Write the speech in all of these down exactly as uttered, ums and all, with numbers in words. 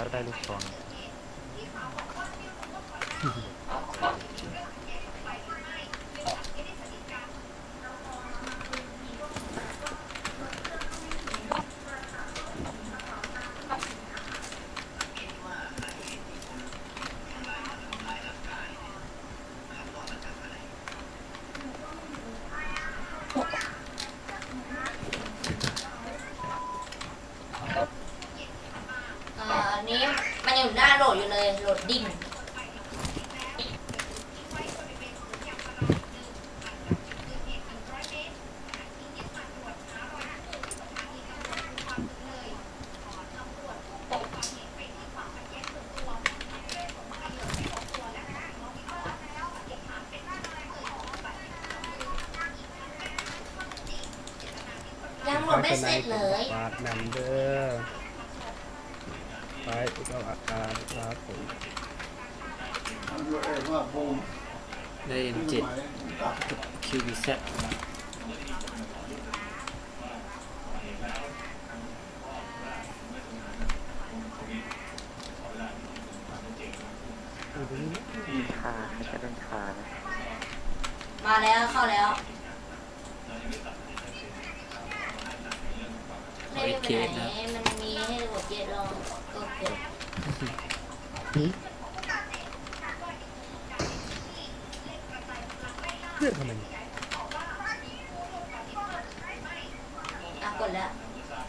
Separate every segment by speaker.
Speaker 1: ได้ลูกซอง
Speaker 2: อันนี้มันยังอยู่หน้าโหลดอยู่เลยโหลดดิ้งยังโหลดไม่เสร็จเลย
Speaker 3: ฝากนำเด้อไปก็อาการครับผม
Speaker 4: ได้ เอ็ม เจ็ด กับ คิว บี แซด
Speaker 1: คาจะเป็นคานะ
Speaker 2: มาแล้วเข้าแล้วไม่ได้ไปไหนมันมีให้กดเย็ดลองก็กด
Speaker 3: เพื่อนทำไม
Speaker 2: อ่ะกดแล้ว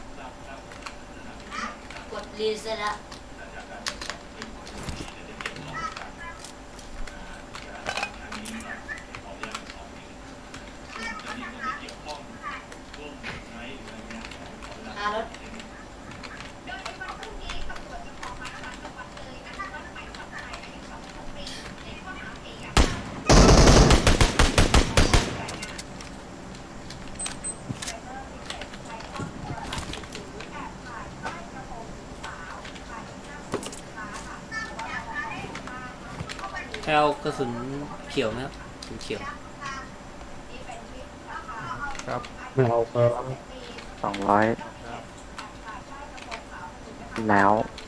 Speaker 2: กดรีเซ็ตแล้วหารถ
Speaker 4: ให้เอากระสุนเขียวไหมครับกระสุนเขียว
Speaker 3: ครับเราครับ
Speaker 1: สองร้อยแล้ว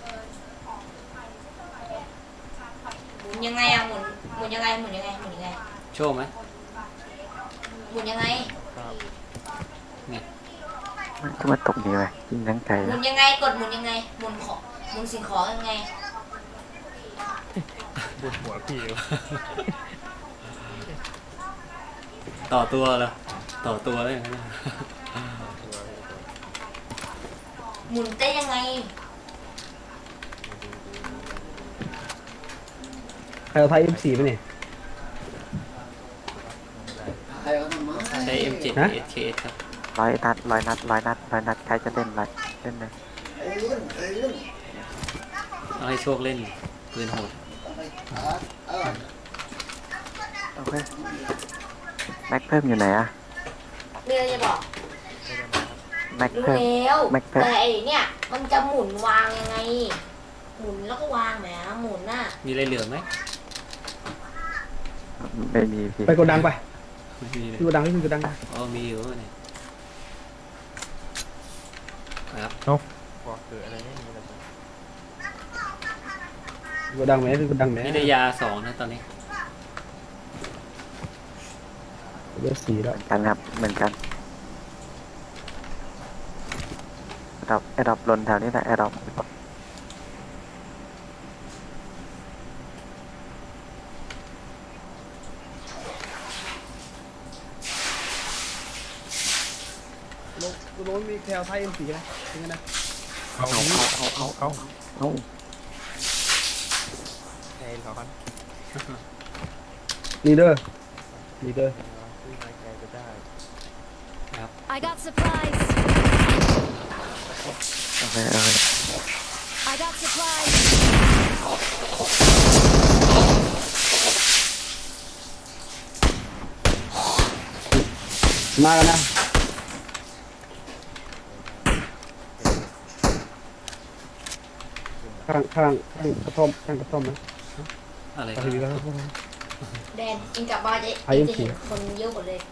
Speaker 2: หมุนยังไงอะหมุนหมุนยังไงหมุนยังไงหมุนยังไง
Speaker 4: โชว์ไหม
Speaker 2: หมุนยังไง
Speaker 4: เนี่ย
Speaker 1: มันจะมาตกดีไหมยิงทั้งใจ
Speaker 2: หมุนยังไงกดหมุนยังไงหมุนของหมุนสิ่งของยังไง
Speaker 3: ปวดหัวพี่
Speaker 4: ต่อตัวเหรอต่อตัวได้ยังไง
Speaker 2: หมุนได้ยังไง
Speaker 3: ใครเอาไทย เอ็ม โฟร์ ไปเนี่ย
Speaker 4: ใช้ เอ็ม เจ็ด
Speaker 3: ฮะ
Speaker 4: เอส เค เอส ครับ
Speaker 1: ร้อยนัดร้อยนัดร้อยนัดร้อยนัดใครจะเล่นอะไรเล่นเลย
Speaker 4: เอาให้โชคเล่นปืนโหด
Speaker 1: โอเคแม็กเพิ่มอยู่ไหนอะ
Speaker 2: มีอะไรจะบอก
Speaker 1: แม็ก
Speaker 2: รู้
Speaker 1: เพิ่ม
Speaker 2: แล้ว
Speaker 1: แม็กเพิ่ม
Speaker 2: แต่ไอเนี่ยมันจะหมุนวางยังไงหมุนแล้วก็วางแหมหมุนน่ะ
Speaker 4: มีอะไรเหลือไหม
Speaker 1: ไม่มีพี่
Speaker 3: ไปกดดังไป
Speaker 4: ไม่มีเลย
Speaker 3: ที่กดดังที่กดดัง
Speaker 4: อ๋อมีอยู่เนี่ยครับ
Speaker 1: บอกเกิดอะไรไม่มีเลย
Speaker 3: กดดังไหมที่กดดังไหม
Speaker 4: นี่ได้ยาสองนะตอนนี้
Speaker 3: เลือดสีแล้ว
Speaker 1: เหมือนกันครับเหมือนกันแอดอปแอดอปลนแถวนี้แหละแอดอป
Speaker 3: โลโลมีแคลไทย เอ็ม โฟร์ นะจริงนะ
Speaker 1: เอาเอาเอาเอาเอาเอา
Speaker 3: แคลเขาครับลีเดอร์ลีเดอร์
Speaker 5: I got supplies.
Speaker 1: โอเคโอเค
Speaker 5: I got supplies.
Speaker 3: มาแล้วนะข้างข้างข้างกระท่อมข้างกระท่อมนะ
Speaker 4: อะไร
Speaker 3: ไป
Speaker 4: ครับ
Speaker 3: ดีกว่า
Speaker 2: แดนเองกลับบ้านจะ
Speaker 3: ไอ้
Speaker 2: เอ
Speaker 3: เอ็
Speaker 2: ง
Speaker 3: ม
Speaker 2: จะ
Speaker 3: สี่
Speaker 2: เห็นคนเยอะหมดเลย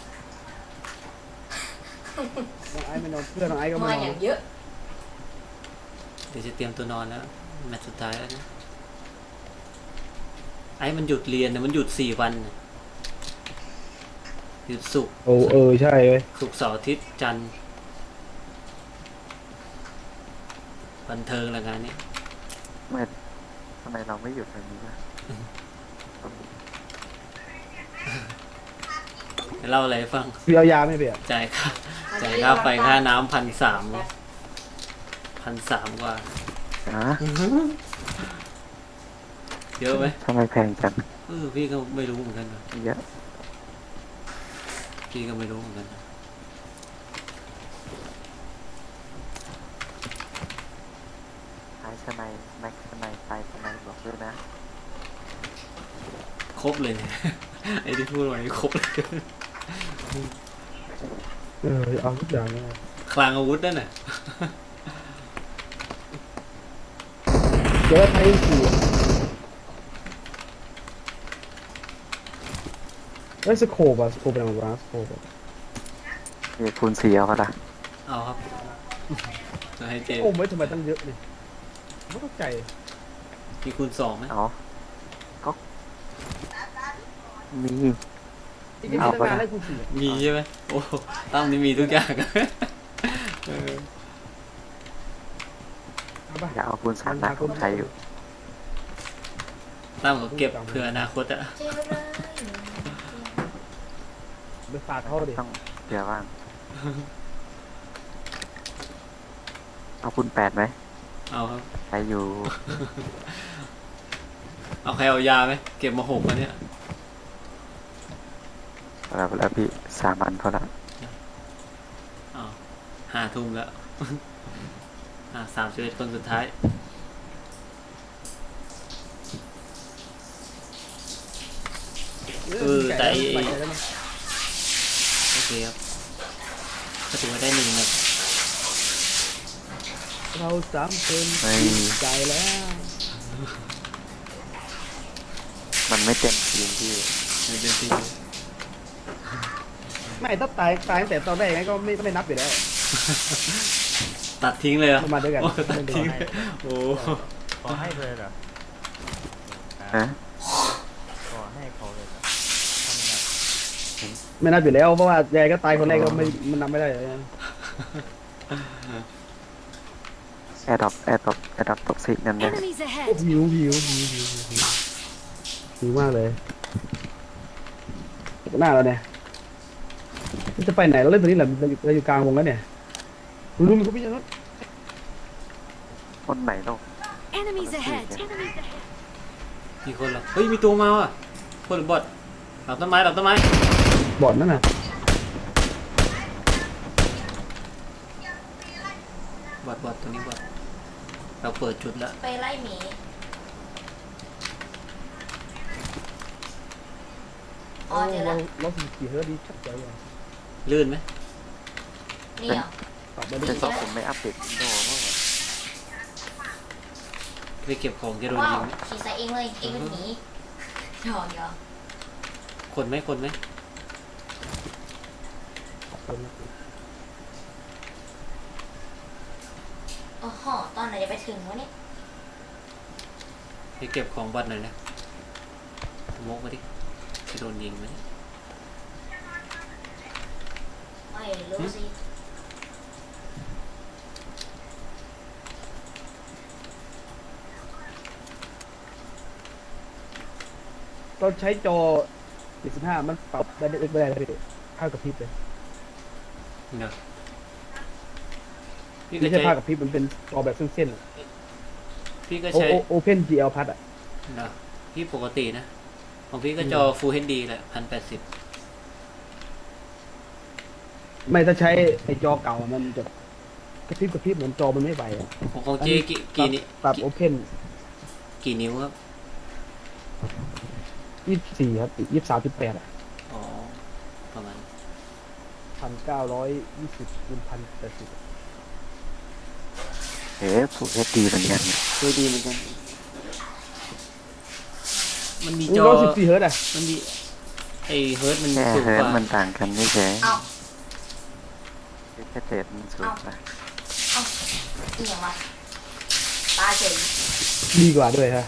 Speaker 3: น้องไอ้ไม่นอนเพื่อนน้องไอ้ก็ไม่
Speaker 2: มาน
Speaker 3: อน
Speaker 2: อย่างเยอะ
Speaker 4: เดี๋ยวจะเตรียมตัวนอนแล้วแมตช์สุดท้ายแล้วนะไอ้มันหยุดเรียนนะมันหยุดสี่วันน่ะหยุดศุกร์
Speaker 3: โอ้เออใช่เว้ย
Speaker 4: ศุกร์เสาร์อาทิตย์จันทร์บันเทิงละงานนี้
Speaker 1: ไม่ทำไมเราไม่หยุดแบบนี้นะ
Speaker 4: เล่าอะไรให้ฟัง
Speaker 3: พี่เอายาไหม่เปียก
Speaker 4: จ่ายค่าจ่ายค่าไฟค่าน้ำพันสามพันสามกว่า
Speaker 1: ฮะ
Speaker 4: เยอะไหม
Speaker 1: ทำไมแพงจัง
Speaker 4: เออพี่ก็ไม่รู้เหมือนกันนะ
Speaker 1: เยอะ
Speaker 4: พี่ก็ไม่รู้เหมือนกันนะ
Speaker 1: ท้ายสไนด์แม็กสไนด์ไฟสไนด์บอกด้วยนะ
Speaker 4: ครบเลยเนี่ย ไอ้ที่พูดไว้ครบเลย
Speaker 3: เออเอาทุกอย่างเลย
Speaker 4: คลังอาวุธนั่นน่ะ
Speaker 3: เดี๋ยวไทยสี่เอ้ยสโคปอะสโคปเป็นอะไรวะสโคปอะ
Speaker 1: มีคูณสี่เอาปะล่ะ
Speaker 4: เอาครับ จะให้เจ
Speaker 3: โอ้ไม่ทำไมตั้งเยอะเลยไม่เข้าใจ
Speaker 4: มีคูณสองไหม
Speaker 1: เอาก็มี
Speaker 3: อีกนิด
Speaker 1: เอา
Speaker 3: ตั้ง
Speaker 1: ปะ
Speaker 3: นาน
Speaker 1: ล่ะ
Speaker 3: ได้คูณสี่
Speaker 4: มีใช่ไหมโอ้ตั้มนี่มีทุกอย่าง เออ
Speaker 3: เอาปะ
Speaker 1: อย่าเอาคูณสามนะผมใช้อยู่
Speaker 4: ตั้มก็เก็บเผื่ออนาคตอะ
Speaker 2: เจ๊เลย
Speaker 3: ไปฝากเขาดิ
Speaker 1: ต้องเผื่อบ้าง เอาคูณแปดไหม
Speaker 4: เอาครับ
Speaker 1: ใช้อยู่
Speaker 4: เอาใครเอายาไหมเก็บมาหกอันเนี้ย
Speaker 1: แล้วแล้วพี่สามอันพอละ
Speaker 4: เอาห้าทุ่มแล้ว อ่าสามสิบเอ็ดคนสุดท้ายเออแต่ไอ้
Speaker 3: สบายใจแล้วนะ
Speaker 4: โอเคครับก็ถือว่าได้หนึ่งนะ
Speaker 3: เราสามคน
Speaker 1: ไม่
Speaker 3: ใจแล้ว
Speaker 1: มันไม่เต็มทีมพี่
Speaker 4: ในเดือนที่
Speaker 3: ไม่ถ้าตายตายตั้งแต่ตอนแรกงั้นก็ไม่ไม่นับอยู่แล้ว
Speaker 4: ตัดทิ้งเลยเหรอ่ะ
Speaker 3: มาด้วยกัน
Speaker 4: ตัดทิ้งเลยโอ้
Speaker 6: ขอให้เลยเหรอ
Speaker 1: ฮะ
Speaker 6: ขอให้เขาเลยเหรอทำไง
Speaker 3: ไม่นับอยู่แล้วเพราะว่ายายก็ตายคนแรกก็ไม่มันนับไม่ได้เลย
Speaker 1: แอร์ดรอปแอร์ดรอปแอร์ดรอปตกซิกนั่นเลย
Speaker 5: Enemies
Speaker 3: โอ้
Speaker 5: ahead!
Speaker 3: หิวหิวหิวหิวหิวหิวหิวมากเลยหน้าเราเนี่ยจะไปไหนเราเล่นตัวนี้แหละเราอยู่เราอยู่กลางวงแล้วเนี่ยรู้มีเขาพี่ยังนั้น
Speaker 1: คนไหนต้อง
Speaker 5: Enemies ahead!
Speaker 4: มีคนเหรอเฮ้ยมีตัวมาว่ะคนหรือบอทหลับต้นไม้หลับต้นไม้
Speaker 3: บอดนั่นน่ะ
Speaker 4: บอทบอทตัวนี้บอทเราเปิดจุดแล้ว
Speaker 2: ไปไล่หมีอ๋อ
Speaker 3: โอ้
Speaker 2: เจอ
Speaker 3: เรา
Speaker 2: แล้ว
Speaker 3: เราสี่สี่เฮิร์ตดีชัดใจเลย
Speaker 4: ลื่นไหม
Speaker 2: นี่เหรอ
Speaker 3: ตอบมาดิ
Speaker 1: เป็นเพราะผมไม่อัปเดตวินโดว์เมื่อวาน
Speaker 4: ไปเก็บของจะโดน
Speaker 2: ว้า
Speaker 4: ยิ
Speaker 2: ว
Speaker 4: งไหม
Speaker 2: ขี่ใส่เองเลยเองเป็นหมีหยอกหยอก
Speaker 4: คนไหมคนไหม
Speaker 2: โอ้โหตอนไหนจะไปถึงวะเนี่ย
Speaker 4: ไปเก็บของบอทหน่อยนะมกมาดิจะโดนยิงไหม
Speaker 2: ไม่รู้สิ
Speaker 3: เราใช้จอเจ็ดสิบห้ามันปรับได้เล็กไม่ได้เลยภาพกับพริบเลย
Speaker 4: เดี๋ยวพี่ก็
Speaker 3: ไม่ใช่
Speaker 4: ใช้
Speaker 3: ภาพกับพริบมันเป็นจอแบบเส้นๆอะ
Speaker 4: พี่ก็
Speaker 3: โอ
Speaker 4: ใช้
Speaker 3: โอโอเพนจีเอลพัดอ่ะ
Speaker 4: เดี๋ยวพี่ปกตินะของพี่ก็จอ Full เอช ดี แหละพันแปดสิบ
Speaker 3: ไม่ถ้าใช้ไอจอเก่ามันจะกระพริบกระพริบเหมือนจอมันไม่ไหวอ่ะ
Speaker 4: ของของเจกี่กี่นิ้ว
Speaker 3: ปรับโอเพน
Speaker 4: กี่นิ้วครับ
Speaker 3: ยี่สิบสี่ครับยี่สิบสามจุดแปดอ่ะ
Speaker 4: อ๋อประมาณ
Speaker 3: พันเก้าร้อยยี่สิบคูณพันแปดสิบ
Speaker 1: เฮ้ยผูกเอสดีเหมือนกัน
Speaker 4: เคยดีเหมือนกัน มันมีจ
Speaker 3: นี่
Speaker 4: อ
Speaker 3: ร้อยสิบสี่เฮิร์ตอ่ะ
Speaker 4: มันมีไอเฮิร์ตมัน
Speaker 1: แค่
Speaker 4: สูง
Speaker 1: เฮิ
Speaker 4: ก
Speaker 1: ร์ต
Speaker 4: ว่า
Speaker 1: มันต่างกันไม่ใช่
Speaker 2: เอา
Speaker 1: แค่เศษมันสูงกว่า
Speaker 2: เอาอีกอย่างวะตายเฉย
Speaker 3: ดีกว่าด้วยฮะ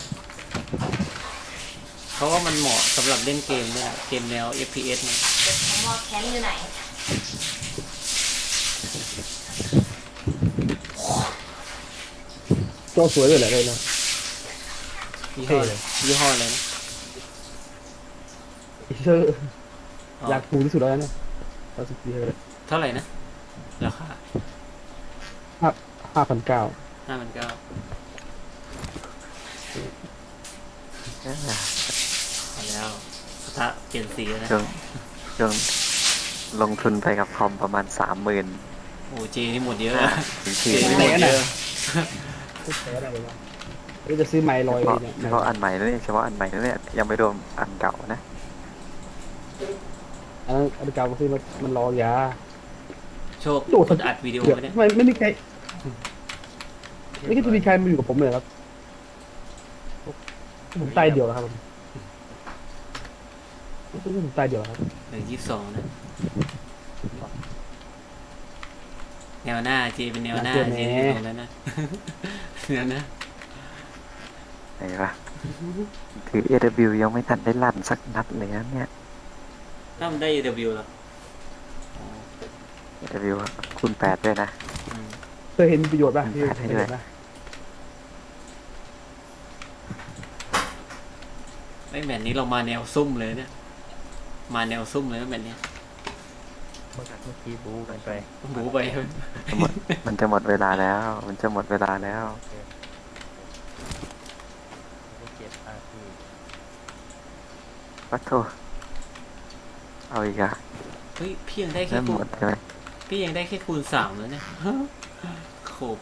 Speaker 4: เพราะว่ามันเหมาะสำหรับเล่นเกมเนี่ยเกมแนว เอฟ พี เอส เนี่ย
Speaker 2: เดี๋ยวผมว่าแคมป์อยู่ไหน
Speaker 3: จอสวยด้วยแหละเลยนะ
Speaker 4: ยี่ห้อ
Speaker 3: เท่เลย
Speaker 4: ยี่ห้ออะไรนะ
Speaker 3: อีเซอร์
Speaker 4: อ๋อ
Speaker 3: อยากถูกที่สุดแล้วนะเอาสิบปีเลย
Speaker 4: เท่าไหร่นะ ราคา
Speaker 3: ห้าห้าพันเก้า
Speaker 4: ห้าพันเก้า
Speaker 1: เอ้ย
Speaker 4: เอาแล้วสถาเปลี่ยนสีแล้วนะ
Speaker 1: ช่วงช่วงลงทุนไปกับคอมประมาณสามหมื่น
Speaker 4: โอ้เจนี่หมดเยอะนะ
Speaker 1: ถึง
Speaker 4: เจ
Speaker 1: ที่
Speaker 4: นี่หมดเยอะ
Speaker 3: ทุกแท้ได้เลยว่าเฮ้ยจะซื้อไมค์ลอย
Speaker 1: เฉ
Speaker 3: ไป
Speaker 1: พาะ
Speaker 3: เนี่ย
Speaker 1: เฉพาะอันใหม่แล้วเนี่ยเฉพาะอันใหม่แล้วเนี่ยยังไม่รวมอันเก่านะ
Speaker 3: อันนั้นอันเก่าก็ซื้อมันมันรอยา
Speaker 4: โชค
Speaker 3: โดด
Speaker 4: คุณอัดวิดีโอ
Speaker 3: เดี๋ยว
Speaker 4: ไว้เนี่ย
Speaker 3: ไม่ไม่มีใครไม่คิดจะมีใครมาอยู่กับผมเลยครับผมตายเดียวแล้วครับผมผมตายเดียวแล้วครับ
Speaker 4: เหลือยี่สิบสองนะ แนวหน้าเจเป็นแนวหน้าเจนี่อยู่ตรงนั้นนะ แนวหน้า
Speaker 1: ไหนวะถือ เอ ดับเบิลยู ยังไม่ทันได้ลั่นสักนัดเลยนะเนี่ย
Speaker 4: ถ้ามันได้ เอ ดับเบิลยู เหรออ๋อ
Speaker 1: เอ ดับเบิลยู คูณแปดด้วยนะ
Speaker 4: อืม
Speaker 3: เคยเห็นประโยชน์ป่ะ
Speaker 1: อืม
Speaker 3: พี่
Speaker 1: ให้
Speaker 3: เคย
Speaker 1: ด้วย
Speaker 3: เห็นป่ะ
Speaker 4: ไอ้แบบนี้เรามาแนวซุ่มเลยเนี่ย มาแนวซุ่มเลยนะแบบเนี้ย
Speaker 6: เมื่อเมื่อกี้บูกันไป
Speaker 4: บูไป
Speaker 1: จะหมดมันจะหมดเวลาแล้ว มันจะหมดเวลาแล้ว
Speaker 6: ไม่เจ็บอาที
Speaker 1: วัดโทเอาอีกอะ
Speaker 4: เฮ้ยพี่ยังได้แค่
Speaker 1: เริ่ม
Speaker 4: คู
Speaker 1: หม
Speaker 4: ณ
Speaker 1: ดใช่ไหม
Speaker 4: พี่ยังได้แค่คูณสามแล้วเนี่ย โขบ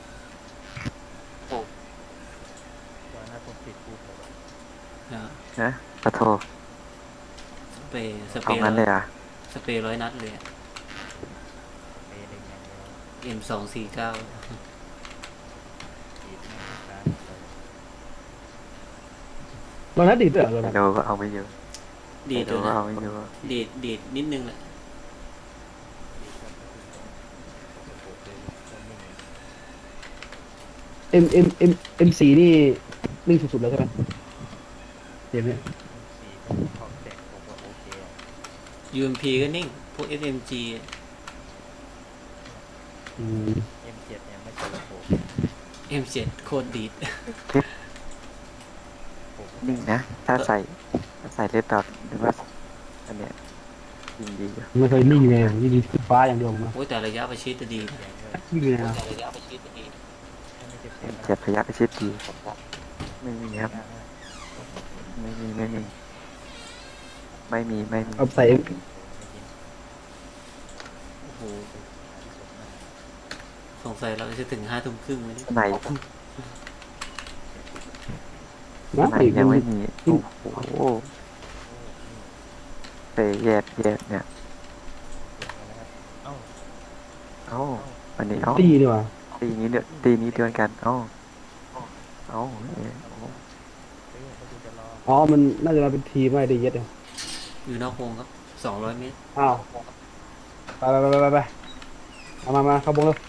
Speaker 6: วันนั้นผมติดบูผม
Speaker 4: นะ
Speaker 1: นะวัดโท
Speaker 4: สเปรย์สเปร
Speaker 1: เอา
Speaker 4: ย์
Speaker 1: งั้นเลยอ่ะ
Speaker 4: สเปรย์ร้อยนัดเลยอะ
Speaker 6: เปย์ได้อย่างเดียว
Speaker 4: เอ็มสองสี่เก้า
Speaker 6: ติดแม่งตามเลย
Speaker 3: ตอนนั้นดีดด้วยเหรอตอน
Speaker 1: ไฮ
Speaker 3: นั้น
Speaker 1: โดก็เอาไม่อยู่
Speaker 4: ดีด
Speaker 1: ไฮโด
Speaker 4: ด้วย
Speaker 1: ก็
Speaker 4: นะ
Speaker 1: เอาไม่อยู่
Speaker 4: ดีดดีดนิดนึงแหละ
Speaker 3: เอ็มเอ็มเอ็มเอ็มสี่นี่นิ่งสุดๆแล้วใช่ไหมเกมเนี้ย
Speaker 6: สี่ผมของแตกผมก็โอเคอะ
Speaker 4: ยูเอ็มพีก็นิ่ง พวก เอส เอ็ม จี
Speaker 3: อืม
Speaker 6: เอ็มเจ็ดเนี่ยไม่ใช่ระบบ
Speaker 4: เอ็มเจ็ด โคตรดีด
Speaker 6: ผม
Speaker 1: นิ่งนะ ถ้าใส่ถ้าใส่เลดดอทหรือว่าอันเนี้ยยิงดีอยู่
Speaker 3: ไม่เคยนิ่งเลยยิงขึ้นฟ้าอย่างเดียวผมนะ
Speaker 4: โอ้ยแต่ระยะประชิดจะดีนะ
Speaker 6: เสียงเลย
Speaker 3: วิ่งเลยนะ
Speaker 4: ระยะประชิดจะดี
Speaker 6: ถ้าไม่เจ็บ
Speaker 1: เอ็
Speaker 6: เจ็บ
Speaker 1: มเจ็ดระยะประชิดดีไม่มีครับ
Speaker 6: นะ
Speaker 1: ไม่มีไม่มี ไม่มีไม่มี
Speaker 3: เอาใส่
Speaker 4: โอ้โห สงสัยเราจะถึงห้าทุ่มครึ่งไหมเนี่ย
Speaker 1: ไหน
Speaker 3: นะ
Speaker 1: ไหน
Speaker 3: อีก
Speaker 1: ยัง
Speaker 3: มั
Speaker 1: ไม่
Speaker 3: น
Speaker 1: มีโอ้โหเตะแยกแยกเนี่ย
Speaker 6: เอ้า
Speaker 1: เอ้าวันนี้เอ้า
Speaker 3: ตีนี่หว่า
Speaker 1: ตีนี้เดือนตีนี้เดือนกันเอ้าเอ้าเอ้ยโอ้
Speaker 6: เฮ้ยมาดูจะรอ
Speaker 3: อ๋อมันน่าจะมาเป็นทีมไม่ได้เย็ดเนี่ย
Speaker 4: อยู่นอกวงครับ สองร้อยเมตร
Speaker 3: อ้าวไปไปไปไปไปเอามามาเข้าบงเลย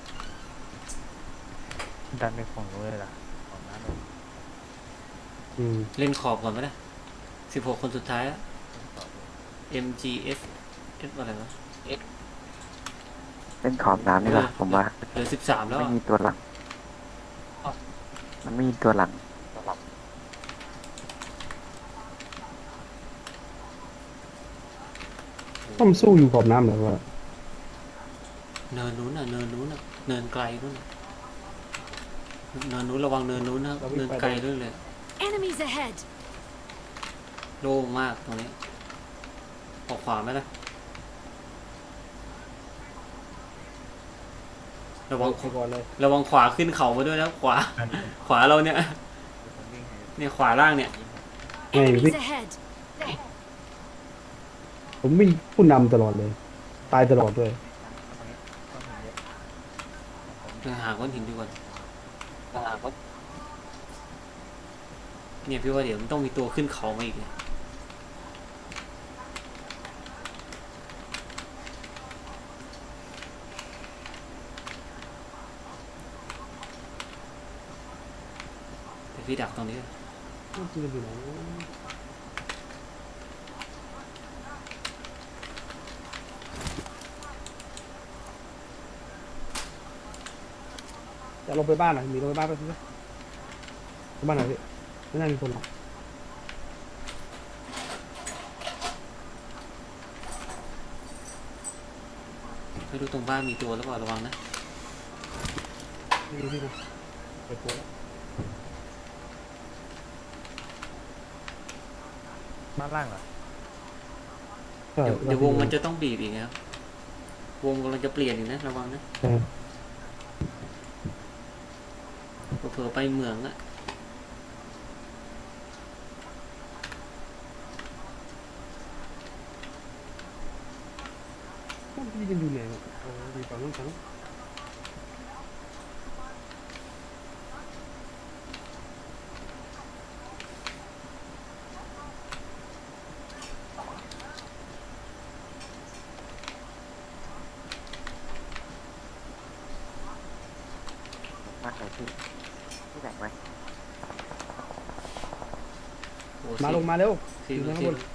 Speaker 6: ดันไปฝั่งนู้นเลยล่ะของน้าเลย
Speaker 3: อืม
Speaker 4: เล่นขอบก่อนไหมนะสิบหกคนสุดท้ายแล้ว
Speaker 6: ต่อเลย
Speaker 4: เอ็ม จี เอส เอส อะไรวะ
Speaker 1: เล่นขอบน้ำนี่แหละผมว่า
Speaker 4: เหลือสิบสามแล้ว
Speaker 1: ไม่
Speaker 4: อะ
Speaker 1: มีตัวหลัง มันไม่มีตัวหลัง
Speaker 3: ต้องสู้อยู่ขอบน้ำเหรอวะ
Speaker 4: เนินนู้นน่ะ เนินนู้นน่ะ เนินไกลนู้นน่ะเนินนู้นระวังเนินนู้นนะครับเนินไกลด้วยเลย
Speaker 5: Enemies ahead.
Speaker 4: โล่งมากตรงนี้ออกขวาไหมล่ะ ระวัง
Speaker 3: ไปก่อนเลย
Speaker 4: ระวังขวาขึ้นเขามาด้วยนะขวา ขวาเราเนี่ย
Speaker 6: ผมวิ่งให้
Speaker 4: เนี่ยขวาล่างเนี่ย
Speaker 3: ไงพี่
Speaker 5: Enemies ahead.
Speaker 3: ผมวิ่งผู้นำตลอดเลย ตายตลอดด้วย
Speaker 6: ต้องมีเยอะ
Speaker 4: เดี๋ยวหาก้อนหินดีกว่าเนี่ยพี่ว่าเดี๋ยวมันต้องมีตัวขึ้นเขามาอีกเนี่ยพี่ดักตรงนี้
Speaker 3: มันจะอยู่ไหนจะลงไปบ้านหน่อยมีลงไปบ้านไปสิไปบ้านไหนพี่ไม่น่ามีคนหรอก
Speaker 4: ไม่รู้ตรงบ้านมีตัวหรือเปล่าระวังนะ
Speaker 3: ไม่รู้พี่นะไปโผล่แล้ว
Speaker 6: บ้านล่างเหรอ
Speaker 3: ใช่
Speaker 4: เดี๋ยวเดี๋ยววงมันจะต้องบีบอีกนะครับวงกำลังจะเปลี่ยนอีกนะระวังนะ
Speaker 3: ใช่
Speaker 4: เผลอๆไปเหมืองอะ
Speaker 3: พี่จะอยู่ไหนเนี่ยโอ้ดีกว่าน้องทั้ง
Speaker 1: มากเลยพี่พี่แบ่งไว้
Speaker 4: โอ้
Speaker 3: มา
Speaker 4: สี่
Speaker 3: ลงมาเร็ว
Speaker 4: สี่
Speaker 3: อยู่
Speaker 4: ลูก
Speaker 3: ข้าง
Speaker 4: สี่
Speaker 3: บน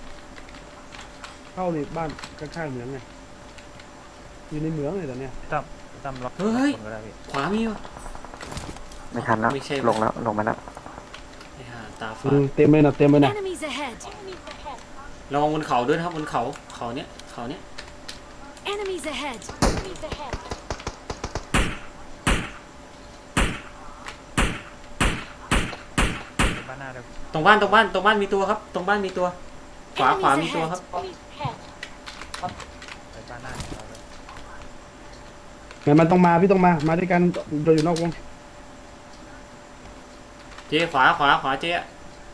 Speaker 3: เข้าในบ้านข้างๆเหมืองไงอยู่ในเหมืองเลยตอนเนี้ย
Speaker 6: ตั้มตั้มล็อก
Speaker 4: เฮ้ย
Speaker 6: คนก็ได้พี่
Speaker 4: ขวามีวะ
Speaker 1: ไม่ทันแล้ว
Speaker 4: ไม่ใช่
Speaker 1: ลงแล้วลงมาแล้ว
Speaker 4: ไอ้ห่าตา
Speaker 3: อื
Speaker 4: ฝาด
Speaker 3: มเต็มเลยนะเต็มเลยนะ
Speaker 5: Enemies ahead.
Speaker 4: ระวังบนเขาด้วยนะครับบนเขาเขาเนี้ยเขาเนี้ย
Speaker 5: Enemies ahead.
Speaker 6: ไปบ้านหน้าเลย
Speaker 4: ตรงบ้านตรงบ้านตรงบ้านมีตัวครับ ตรงบ้านมีตัว ขวาขวามีตัวครับ
Speaker 6: ไปบ้านหน้าเราเลย
Speaker 3: งั้นมันต้องมาพี่ต้องมามาด้วยกันเราอยู่นอกวง
Speaker 4: เจ๊ขวาขวาขวาเจ๊อะ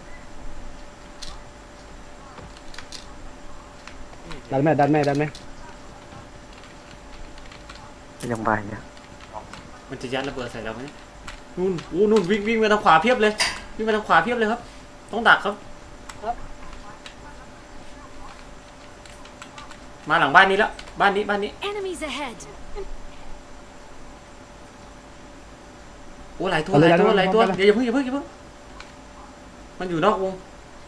Speaker 3: ดันแม่ดันแม่ดันแม่
Speaker 1: ยังใบอ่ะ
Speaker 4: มันจะยัดระเบิดใส่เราไหมนู่นอู้นู่นวิ่งวิ่งมาทางขวาเพียบเลยวิ่งมาทางขวาเพียบเลยครับ ต้องดักครับ มาหลังบ้านนี้แล้วบ้านนี้บ้านนี้
Speaker 5: Enemies ahead.
Speaker 4: โอ้หลายตัวหลายตัวหลายตัวเดี๋ยวอย่าเพิ่งอย่าเพิ่งอย่าเพิ่งมันอยู่นอกวง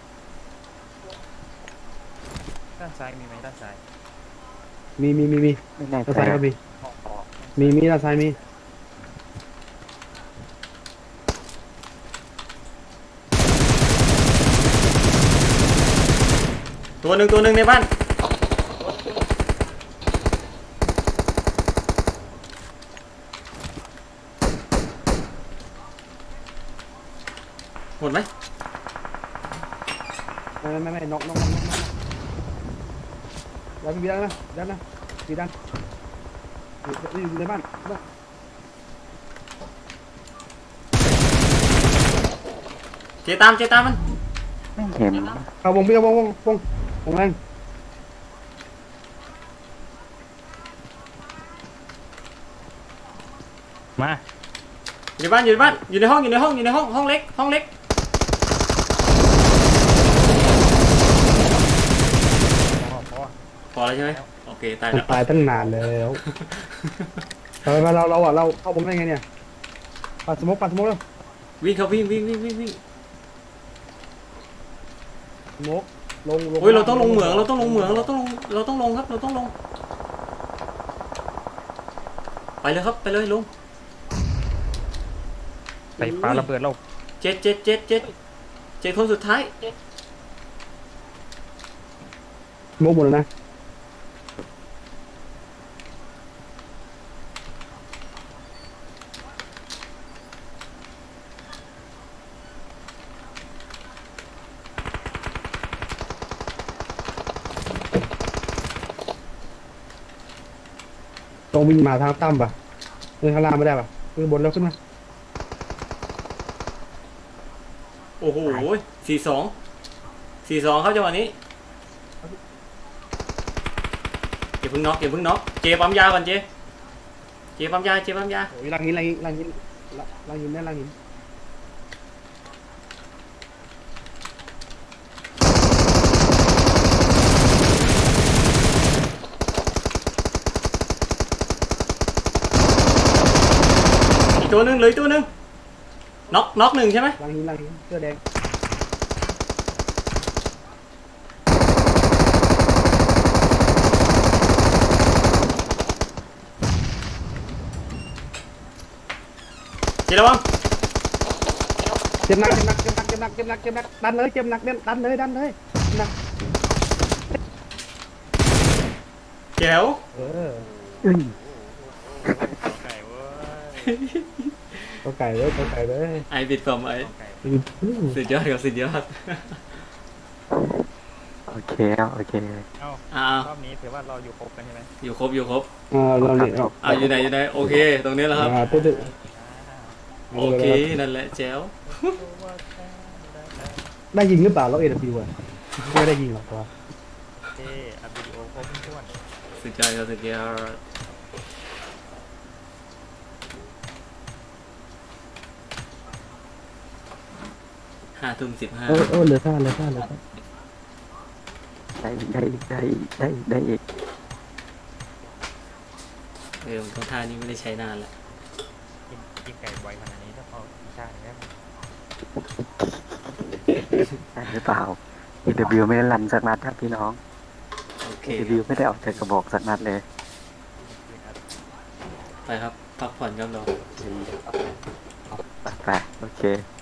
Speaker 6: ด้านซ้ายมีไหมด้านซ้าย
Speaker 3: มีมีมีมี
Speaker 1: ไม่แน่ใจ
Speaker 3: ด้านซ้ายก็มีมีมีด้านซ้ายมี
Speaker 4: ตัวหนึ่งตัวหนึ่งในบ้านหมดไหม
Speaker 3: ไม่ไม่ไม่นอกนอกนอกนอกดันพี่ดันนะดันนะพี่ดันอยู่อยู่ในบ้านบ้าน
Speaker 4: เจตามเจตามมัน
Speaker 1: ไม่เห็น
Speaker 3: เข้าวงพี่เข้าวงวงวงวงแรง
Speaker 6: มา
Speaker 4: อยู่ในบ้านอยู่ในบ้านอยู่ในห้องอยู่ในห้องอยู่ในห้องห้องเล็กห้องเล็ก
Speaker 6: พอพอ
Speaker 4: พอแล้วใช่ไหมโอเคตาย
Speaker 3: มัน
Speaker 4: แล้ว
Speaker 3: ตายตั้งนานแล้วทำไมมาเราเราอ่ะเราเข้าวงได้ไงเนี่ยปัดสมกปัดสมกแล้ว
Speaker 4: วิ่งเขาวิ่งวิ่งวิ่งวิ่งวิ่ง
Speaker 3: สมกลงลง
Speaker 4: เฮ้ยเราต้องลงเหมืองเราต้องลงเหมืองเราต้องลงเราต้องลงครับเราต้องลงไปเลยครับไปเลยลง
Speaker 6: ไปปาระเบิดเรา
Speaker 4: เจ็ดเจ็ดเจ็ดเจ็ดเจ็ดคนสุดท้าย
Speaker 3: สมกหมดแล้วนะ ต้องวิ่งมาทางตั้มป่ะเดินข้างล่างไม่ได้ป่ะขึ้นบนแล้วขึ้นมา
Speaker 4: โอ้โหสี่สองสี่สองครับจังหวะนี้เก็บพึ่งน็อกเก็บพึ่งน็อกเจปั๊มยาก่อนเจเจปั๊มยาเจปั๊มยา
Speaker 3: โอ้ยลังหินลังหินลังหินลังหินแน่ลังหิน
Speaker 4: อีกตัวหนึ่งเหลยตัวหนึ่งน็อกน็อกหนึ่งใช่ไหม
Speaker 3: หลังหินหลังหินเสื้อแดง
Speaker 4: เจระวัง
Speaker 3: เจ็บหนักเจ็บหนักเจ็บหนักเจ็บหนักเจ็บหนักเจ็บหนักดันเลยเจ็บหนักดันเลยดันเลยหนัก
Speaker 4: แจ๋ว
Speaker 3: เออ
Speaker 1: เอ้ย
Speaker 6: ของไก่เว้ย
Speaker 3: ตัวไก่เลยตัวไก่เลย
Speaker 4: ไอบิดผมไอ
Speaker 6: ของไก่
Speaker 4: สุดยอดครับสุดยอด
Speaker 1: โอเคครับโอเค
Speaker 6: เอ้า
Speaker 4: อ่าร
Speaker 6: อบนี้ถือว่าเราอยู่ครบกันใช่ไหม
Speaker 4: อยู่ครบอยู่ครบ
Speaker 3: อ่าเราเนี่ย
Speaker 4: อ่าอยู่ไหนอยู่ไหนโอเค ตรงนี้แล้วครับ
Speaker 3: อ่าตัวตึก
Speaker 4: โอเคนั่นแหละแจ๋ว
Speaker 3: ได้ยิงหรือเปล่าเราเอ็นพีวะไม่ได้ยิงหรอกตัว
Speaker 6: เท่อัพวิดีโอครบถ้วน
Speaker 4: สุดยอดครับสุดยอดห้าทุ่มสิบห้า
Speaker 3: เออเออเหลือท่าเหลือท่าเหลือท่า
Speaker 1: ได้อีกได้อีกได้อีกได้อีกได้อีก
Speaker 4: เออตรงท่านี้ไม่ได้ใช้นานละ
Speaker 6: กินกินไก่บ่อยขนาดนี้ถ้าพออีกชาติหนึ่งได้ไหม
Speaker 1: ได้หรือเปล่า เอ ดับเบิลยู ไม่ได้ลั่นสักนัดครับพี่น้อง
Speaker 4: โอเค
Speaker 1: เอ ดับเบิลยู ไม่ได้ออกจากกระบอกสักนัดเลย
Speaker 4: ไปครับพักผ่อนครับเรา
Speaker 1: ไปไปโอเค